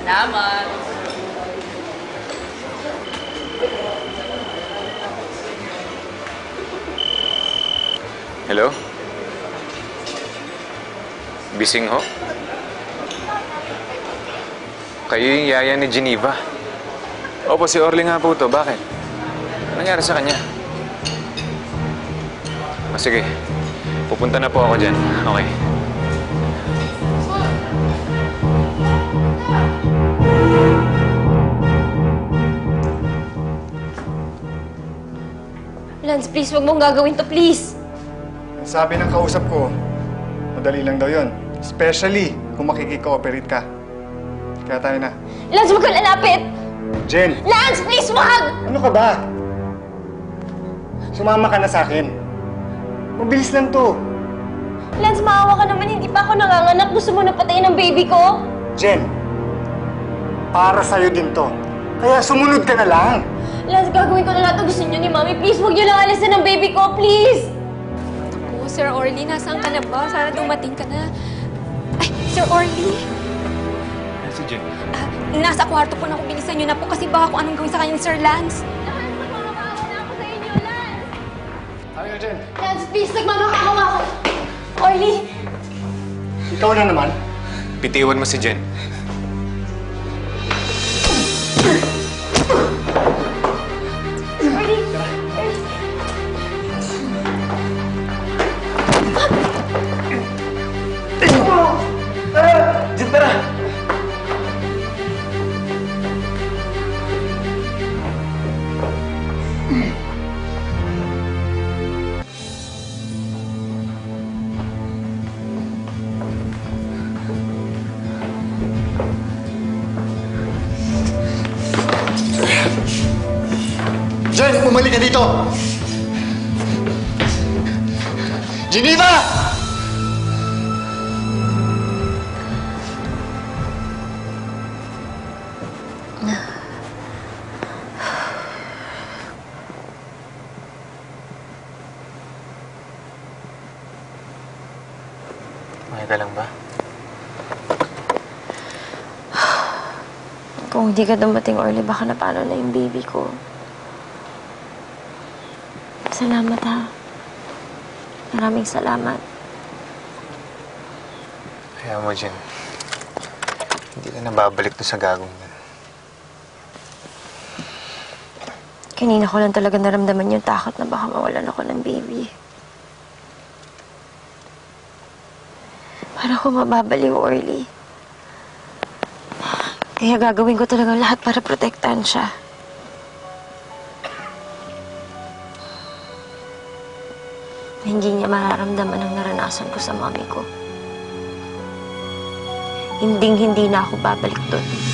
Salamat. Hello? Bising ho? Kayo yung yaya ni Geneva. Opo, si Orly nga po to. Bakit? Anong nangyari sa kanya? O sige, pupunta na po ako dyan. Okay. Lance, please, huwag mong gagawin to, please. Sabi ng kausap ko, madali lang daw yun. Especially kung makikikooperate ka. Kaya tayo na. Lance, huwag ka lalapit! Jen! Lance, please, wag! Ano ka ba? Sumama ka na sa akin. Mabilis lang to. Lance, maawa ka naman. Hindi pa ako nanganganak. Gusto mo na patayin ang baby ko? Jen! Para sa'yo din to. Kaya sumunod ka na lang. Lance, gagawin ko na lahat ang gusto niyo ni Mami. Please, huwag niyo lang alisin ang baby ko, please! Naku, Sir Orly, nasaan ka na ba? Sana dumating ka na. Ay, Sir Orly! Si Jen. Nasa kwarto po na ako. Bilisan niyo na po kasi baka kung anong gawin sa kanya ni Sir Lance. Lance, nagmamakawa na ako sa inyo, Lance! Ayaw, Jen. Lance, please, nagmamakawa ako! Orly! Ikaw na naman. Pitiwan mo si Jen. Orly! Jen, tara! Jen, bumalik ka dito! Geneva! Okay ka lang ba? Kung hindi ka dumating, Orly, baka na paano na yung baby ko. Salamat, ha. Maraming salamat. Kaya mo, Jen. Hindi ka na babalik to sa gagong yan. Kanina ko lang talaga naramdaman yung takot na baka mawalan ako ng baby. Para ko mababaliw, Orly. Kaya gagawin ko talaga lahat para protektahan siya. Hindi niya mararamdaman ang naranasan ko sa mami ko. Hinding-hindi na ako babalik doon.